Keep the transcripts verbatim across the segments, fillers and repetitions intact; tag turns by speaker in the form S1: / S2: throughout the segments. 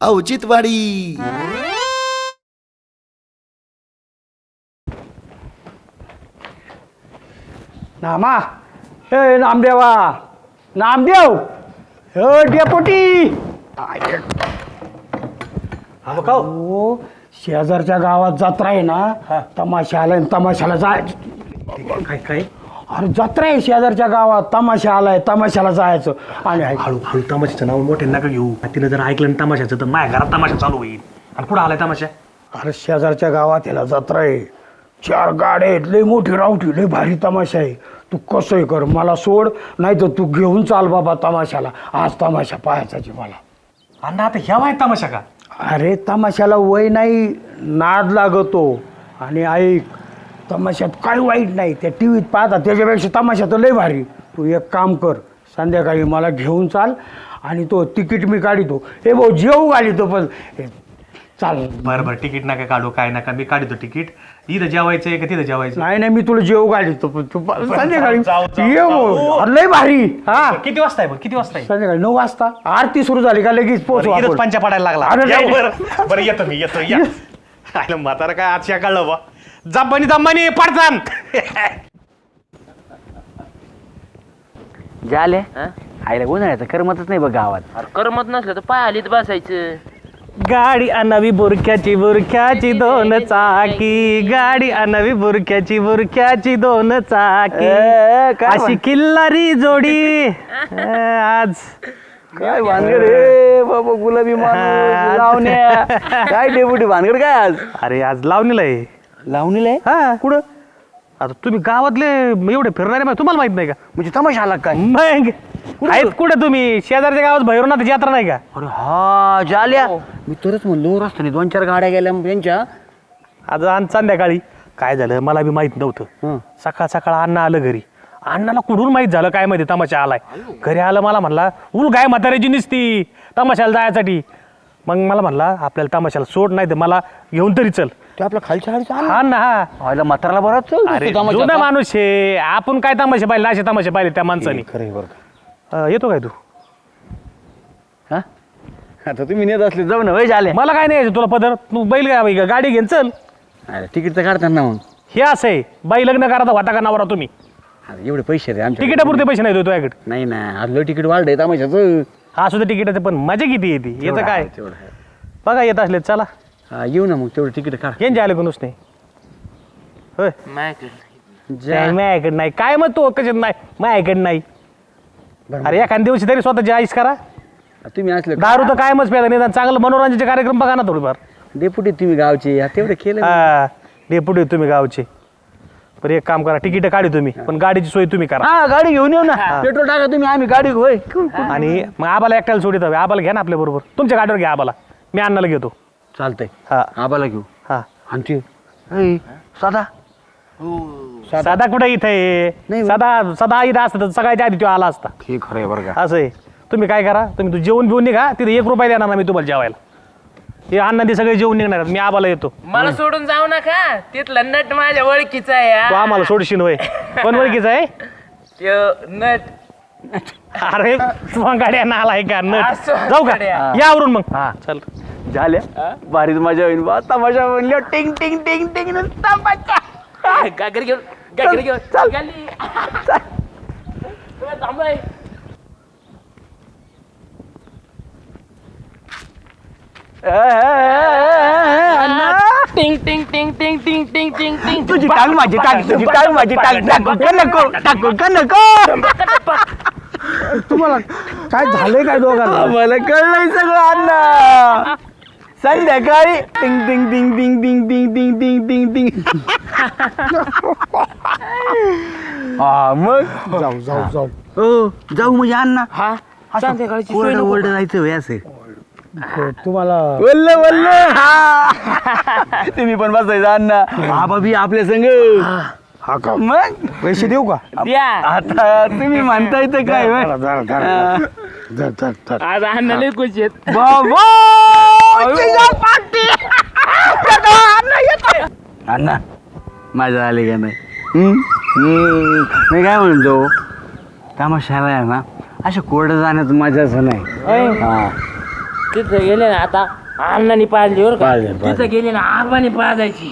S1: औचित्यवाडी.
S2: नामा हे नामदेवा नामदेव हे डेपोटी हो शेजारच्या गावात जत्रा आहे ना तमाशा आलाय तमाशाला जायचं
S3: काय काय
S2: अरे जत्रा आहे शेजारच्या गावात तमाशा आलाय तमाशाला जायचं आणि ऐक,
S3: हळू हळू तमाशाचं नाव मोठे नका घेऊ तिनं जर ऐकलं ना तमाशाचं तर माझ्या घरात तमाशा चालू होईल. आणि कुठं आलाय तमाशा?
S2: अरे शेजारच्या गावात याला जत्रा आहे चार गाड्या आहेत लय मोठी रावठी लय भारी तमाशा आहे तू कसंही कर मला सोड नाही तर तू घेऊन चाल बाबा तमाशाला आज तमाशा पाहायचा मला.
S3: अण्णा आता ह्या वाय तमाशा का?
S2: अरे तमाशाला वय नाही नाद लागतो आणि ऐक तमाशात काही वाईट नाही त्या टी व्हीत पाहता त्याच्यापेक्षा तमाशा तर लय भारी. तू एक काम कर संध्याकाळी मला घेऊन चाल आणि तो तिकीट मी काढितो हे भाऊ जेऊ घालितो पण हे, चाल.
S3: बरं बरं तिकीट नका काढू काय नका मी काढतो तिकीट. इथं जेवायचं आहे का तिथं जेवायचं?
S2: नाही नाही मी तुला जेऊ घालितो पण तू पा- संध्याकाळी
S3: जाऊ, जाऊ,
S2: ये
S3: जाऊ.
S2: भाऊ. अरे लय भारी हा
S3: किती वाजता आहे बघ किती वाजता आहे?
S2: संध्याकाळी नऊ वाजता आरती सुरू झाली का लगेच पोहोचू
S3: बरं, इथंच
S2: आपण.
S3: पंचा पडायला लागला.
S2: अरे
S3: या,
S2: नाही.
S3: बरं बरं येतो मी येतो या. आयला म्हातारा काय आज कळलं बा जपानी दम्मानी पडतान.
S4: झाले आईला उन्हाळ्याचं करमतच नाही बघ गावात.
S5: अरे करमत नसलं तर पाय आलीत बसायचं.
S3: गाडी आणावी बुरख्याची बुरख्याची दोन चाकी गाडी आणावी बुरख्याची बुरख्याची दोन चाकी
S4: ए, काय
S3: अशी किल्लारी जोडी ए, आज
S4: काय भानगड रे बाबा गुलाबी माणूस लावण्या काय डेपुटी भानगड काय आज
S3: अरे आज लावणीला आहे.
S4: लावणीला आहे
S3: हा
S4: कुठं
S3: आता तुम्ही गावातले एवढे फिरणारे माहिती- तुम्हाला माहित नाही का?
S4: म्हणजे तमाशा आला काय
S3: मग आहेत कुठे तुम्ही शेजारच्या गावात भैरवनाथ यात्रा नाही का?
S4: अरे हा झाल्या मी तरच म्हणलो रस्त्याने दोन चार गाड्या गेल्या त्यांच्या
S3: आज आज संध्याकाळी काय झालं मला बी माहित नव्हतं.
S4: हं.
S3: सकाळ सकाळ अण्णा आलं घरी. अण्णाला कुठून माहित झालं काय माहिती तमाशा आलाय. घरी आलं मला म्हणला उल गाय म्हाताऱ्याची निसती तमाशाला जायसाठी. मग मला म्हणला आपल्याला तमाशाला सोड नाही तर मला घेऊन तरी चल.
S4: ते आपल्या खालच्या गाडीचा
S3: हा ना हा
S4: आईला म्हाताराला बराच
S3: अरे जुना माणूस आहे आपण काय तमाशे पाहिले असे तमाशे पाहिले त्या माणसाने.
S4: खरं बरं
S3: अं, येतो काय तू?
S4: हा आता तुम्ही नेत असले जाऊ ना वय झाले
S3: मला काय नाही यायचं तुला पदर तू बैल गा- गाडी घेऊन चल.
S4: अरे तिकीट तर काढतात ना मग
S3: हे असं आहे बाई लग्न करा तर होता का नवरा तुम्ही
S4: अरे एवढे पैसे रे आमच्या
S3: तिकिटापुरते पैसे नाही देतो तुझ्याकडे.
S4: नाही ना आज लय तिकीट वाढलंय तमाशाचं
S3: हा सुद्धा तिकिटाचं पण मजा किती येते याचं
S4: तेवढं
S3: काय
S4: आहे, तेवढं आहे.
S3: बघा येत असले चला
S4: हा, येऊ ना मग तेवढं तिकीट काढ
S3: यांचे आले कोणच नाही होय
S5: माझ्याकडे
S3: नाही, माझ्याकडे नाही काय मग तू कशात नाही माझ्याकडे नाही.
S4: बरं,
S3: अरे एखाद्या दिवशी तरी स्वतःची आईस करा.
S4: तुम्ही असले
S3: दारू तर कायमच प्यायला निदान चांगलं मनोरंजनाचे कार्यक्रम बघा ना थोडीफार.
S4: डेपुटी तुम्ही गावचे हा, तेवढं केलं मी.
S3: हा डेपुटी तुम्ही गावचे. पण एक काम करा तिकीट काढी तुम्ही पण गाडीची सोय तुम्ही करा.
S4: हा गाडी घेऊन येऊ ना पेट्रोल टाका तुम्ही आम्ही गाडी होय
S3: आणि मग आबाला एकट्याला सोडित हवे आबाला घ्या ना आपल्या बरोबर तुमच्या गाडीवर घ्या आबाला मी अण्णाला घेतो.
S4: चालतंय
S3: हा
S4: आबाला घेऊ
S3: हा
S4: आमची ऐ, साधा
S3: सदा कुठे इथे
S4: नाही.
S3: सदा सदा इथं असतं तर सगळ्याच्या आधी तो आला असता.
S4: हे खरं आहे बरं का
S3: असं आहे तुम्ही काय करा तुम्ही तू जेवण बिवून निघा तिथे एक रुपया देणार ना मी तुम्हाला जेवायला. हे अण्णा ते सगळे जेवण निघणार मी आबाला येतो.
S5: मला सोडून जाऊ नका तिथला नट माझ्या ओळखीचा आहे
S3: तू
S5: हा.
S3: आम्हाला सोडशील होय पण ओळखीचं आहे.
S5: त्यो नट
S3: अरे तुम्हा गाड्या ना आलाय का नट
S5: असं
S3: जाऊ का
S5: गाड्या.
S3: यावरून मग
S4: हा.
S3: चल
S4: झाल्या भारीच मजा होईल बा तमाशा म्हणल्या टिंग टिंग टिंग टिंग नुसता मजा.
S5: गागर घेऊन गागर घेऊन
S4: चल.
S5: गाली. तुला थांबाय.
S4: ए, ए, ए, ए, अण्णा.
S5: टिंग टिंग टिंग टिंग टिंग टिंग टिंग टिंग
S4: तुझी टांग माझी टांग तुझी टांग माझी टांग टाकू का नको टाकू का नको
S2: तुम्हाला काय झालंय काय दोघांना
S4: मला कळलंय सगळं अण्णा संध्याकाळी टिंग टिंग टिंग टिंग टिंग टिंग टिंग टिंग टिंग टिंग हा मग
S2: जाऊ जाऊ जाऊ
S4: हो जाऊ म्हणजे अण्णा
S5: हा संध्याकाळची सोय
S4: ओरड
S5: नको.
S4: ओरड जायचं होय असं
S2: तुम्हाला
S4: वल्ल वल्ल हा तुम्ही पण बसायचं अण्णा आबा बी आपल्या संग
S2: हा का
S4: मग
S2: पैसे देऊ का
S5: द्या
S4: आता तुम्ही म्हणताय तर काय होय?
S2: धरा, धरा, धरा. धर, धर, धर.
S5: आज आणले खुश आहेत.
S4: बाबा अण्णा माझा आले का नाही हम्म? हम्म. मी काय म्हणतो तमाशाला आहे ना अशा कोरडं जाण्यात मजाच नाही हा
S5: तिथं गेले ना आता अण्णानी पाजली बरं का तिथं गेले ना आबाने पाजायची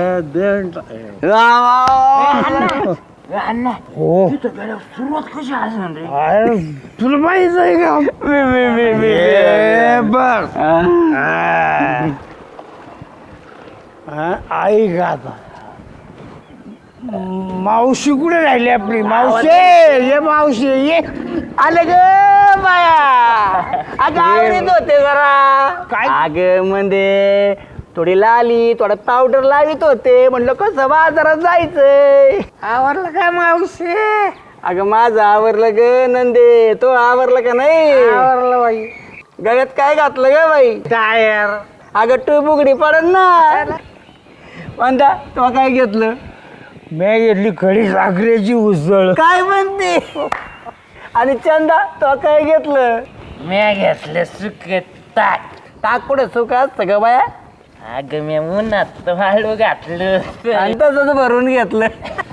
S5: अण्णा
S2: हो
S5: तिथं गेल्यावर सुरुवात कशी असणार रे
S2: अरे तुला माहित आहे का ए, बघ हा, ऐक आता मावशी कुठे राहिली आपली मावशी ये मावशी ये
S4: आले ग बाया अगं आवडीत होते जरा
S2: काय?
S4: अग म्हणजे थोडी लाली थोडा पावडर लावित होते म्हणलं कसं बाजारात जायचंय
S2: आवरलं काय मावशी
S4: अगं माझं आवरलं ग नंदे तो आवरलं का नाही
S2: आवरलं बाई
S4: गळ्यात काय घातलं ग बाई
S2: टायर
S4: अगं तू बुगडी पडन ना म्हणता तो काय घेतलं
S2: मी घेतली खडी साखरेची उसळ
S4: काय म्हणते आणि चंदा तो काय घेतलं
S5: म्या घेतलं सुक ताक
S4: टाक पुढे सुख असतं ग बाया
S5: अगं मी उन्हात वाळू घातलं
S4: आणि तसंच भरून घेतलं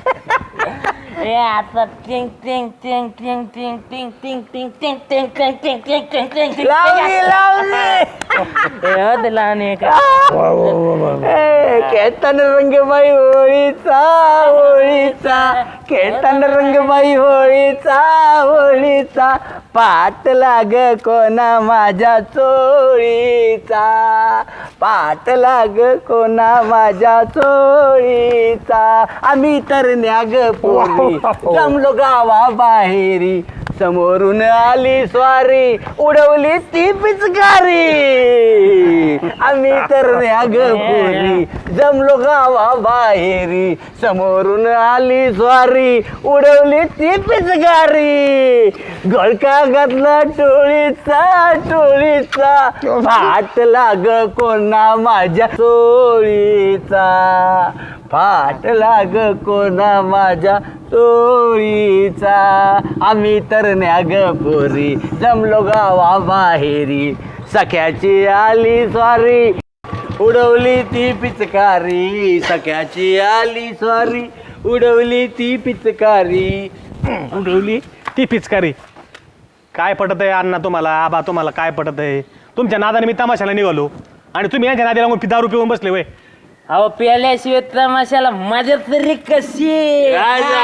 S5: ए आता टिंग टिंग टिंग टिंग टिंग टिंग टिंग टिंग टिंग टिंग टिंग टिंग टिंग टिंग टिंग टिंग
S4: लावली लावली
S5: ए हद लावणे का
S4: ए, खेळताना रंगबाई होळीचा होळीचा खेळताना रंगबाई होळीचा होळीचा पाट लाग कोणा माझ्या चोळीचा पाट लाग कोणा माझ्या चोळीचा आम्ही तर न्याग पोरी जमलो गावा बाहेरी समोरून आली स्वारी उडवली ती पिचकारी आम्ही तर न्याग पोरी जमलो गावा बाहेरी समोरून आली स्वारी उडवली ती पिचकारी गळका घातला टोळीचा टोळीचा फाट लाग कोणा माझ्या चोळीचा फाट लाग कोणा माझ्या चोळीचा आम्ही तर न्याग पोरी जमलो गावा बाहेरी सख्याची आली स्वारी उडवली ती पिचकारी सख्याची आली स्वारी उडवली ती पिचकारी
S3: उडवली ती पिचकारी काय पटत आहे अण्णा तुम्हाला आबा तुम्हाला काय पटत आहे तुमच्या नादाने मी तमाशाला निघालो आणि तुम्ही यांच्या नादी लागून दारू पिऊन बसले वय
S5: अहो प्याल्याशिवाय तमाशाला मजा तरी कशी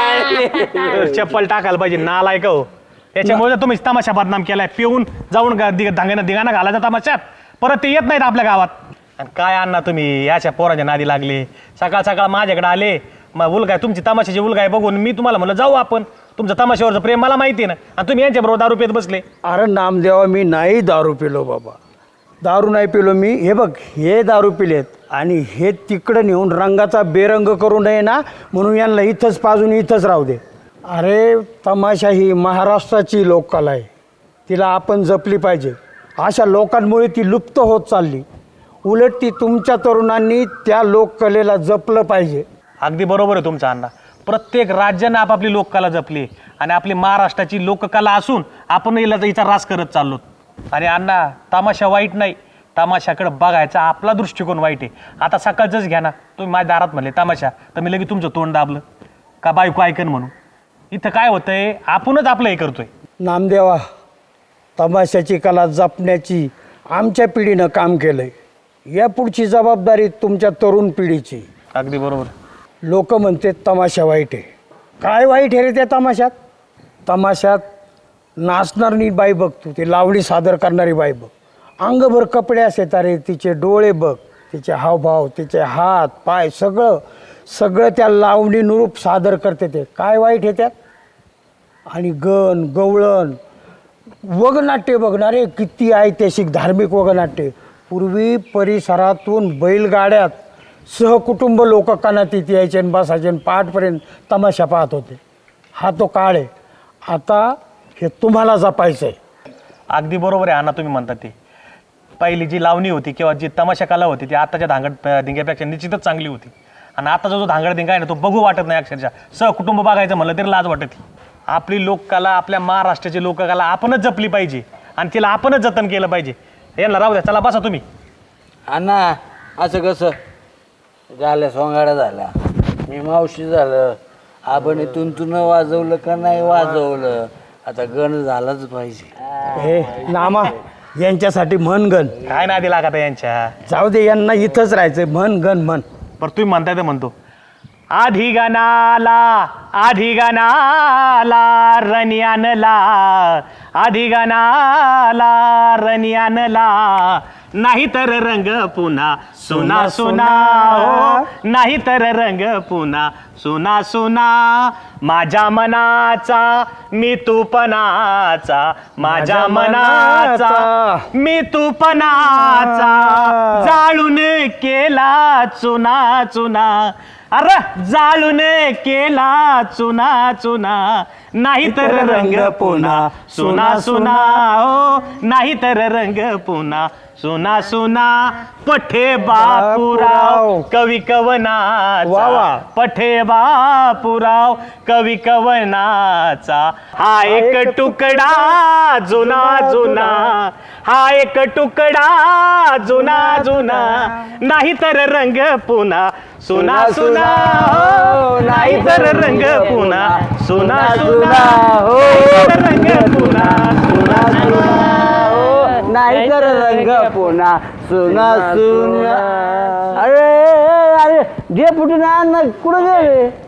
S3: चप्पल टाकायला पाहिजे नालायक हो त्याच्यामुळे तर तुम्ही तमाशा बदनाम केलाय पिऊन जाऊन धांगेना धिंगाणा घालायचा तमाशात परत ते येत नाहीत आपल्या गावात आणि काय अण्णा तुम्ही याच्या पोराच्या नादी लागले सकाळ सकाळ माझ्याकडे आले मग उलगाय तुमची तमाशाची उलगाय बघून मी तुम्हाला म्हणलं जाऊ आपण तुमचं तमाशावरचं प्रेम मला माहिती आहे ना आणि तुम्ही यांच्याबरोबर दारू पित बसले
S2: अरे नामदेवा मी नाही दारू पिलो बाबा दारू नाही पिलो मी हे बघ हे दारू पिलेत आणि हे तिकडं नेऊन रंगाचा बेरंग करू नये ना म्हणून यांना इथंच पाजून इथंच राहू दे अरे तमाशा ही महाराष्ट्राची लोककला आहे तिला आपण जपली पाहिजे अशा लोकांमुळे ती लुप्त होत चालली उलट ती तुमच्या तरुणांनी त्या लोककलेला जपलं पाहिजे
S3: अगदी बरोबर आहे तुमचा अण्णा प्रत्येक राज्यानं आपापली लोककला जपली आणि आपली महाराष्ट्राची लोककला असून आपण हिला हिचा रास करत चाललो आणि अण्णा तमाशा वाईट नाही तमाशाकडे बघायचा आपला दृष्टिकोन वाईट आहे आता सकाळचंच घ्या ना तुम्ही माझ्या दारात म्हणले तमाशा तर मी लगेच तुमचं तोंड दाबलं का बायको ऐकन म्हणून इथं काय होतंय आपणच आपलं हे करतोय
S2: नामदेवा तमाशाची कला जपण्याची आमच्या पिढीनं काम केलं आहे या पुढची जबाबदारी तुमच्या तरुण पिढीची
S3: अगदी बरोबर
S2: लोक म्हणते तमाशा वाईट आहे काय वाईट आहे रे त्या तमाशात तमाशात नाचणारी बाई बघ तू ती लावणी सादर करणारी बाई बघ अंगभर कपडे असतात अरे तिचे डोळे बघ तिचे हावभाव तिचे हात पाय सगळं सगळं त्या लावणीनुरूप सादर करते ते काय वाईट आहे त्यात आणि गण गवळण वगनाट्य बघणारे किती ऐतिहासिक धार्मिक वगनाट्य पूर्वी परिसरातून बैलगाड्यात सहकुटुंब लोक कानात इथे यायचे आणि बसायचे आणि पहाटपर्यंत तमाशा पाहत होते हा तो काळ आहे आता हे तुम्हाला जपायचं आहे
S3: अगदी बरोबर आहे अण्णा तुम्ही म्हणता ते पहिली जी लावणी होती किंवा जी तमाशा कला होती ती आताच्या धांगड धिंग्यापेक्षा निश्चितच चांगली होती आणि आताचा जो धांगड धिंगा आहे ना तो बघू वाटत नाही अक्षरशः सहकुटुंब बघायचं म्हणलं तरी लाज वाटत आपली लोककला आपल्या महाराष्ट्राची लोककला आपणच जपली पाहिजे आणि तिला आपणच जतन केलं पाहिजे यांना राहू द्या चला बसा तुम्ही
S4: अण्णा असं कसं झाल्या सोंगाड्या झाल्या मी मावशी झालं आपण तुंतून वाजवलं का नाही वाजवलं आता गण झालंच पाहिजे
S2: हे नामा यांच्यासाठी मनगण.
S3: काय नादी लागत आहे यांच्या.
S2: जाऊ दे, यांना इथंच राहायचंय. मनगण म्हण.
S3: बरं तुम्ही म्हणताय तर म्हणतो. आधी गणाला आधी गणाला रणी आणला, आधी गणाला रणी आणला, नाही तर रंग पुन्हा सुना सुना हो, नाही तर रंग पुन्हा सुना सुना. माझ्या मनाचा मी तूपणाचा, माझ्या मनाचा मी तूपणाचा, जाळून केला चुना चुना. अरे जाळून केला चुना चुना, नाही तर रंग पुन्हा सुना सुना हो, नाही तर रंग पुन्हा सुना सुना. पठे बापूराव कवी कवनाचा, पठे बापूराव कवी कवनाचा. हा एक तुकडा जुना जुना, हा एक तुकडा जुना जुना, नाही तर रंग पुन्हा सुना सुना हो, नाही तर रंग पुन्हा सुना सुना हो, रंग पुन्हा सुना सुना
S4: हो, नाही तर रंग पुन्हा सुना सुना. अरे अरे जे फुटून कुठं गेले.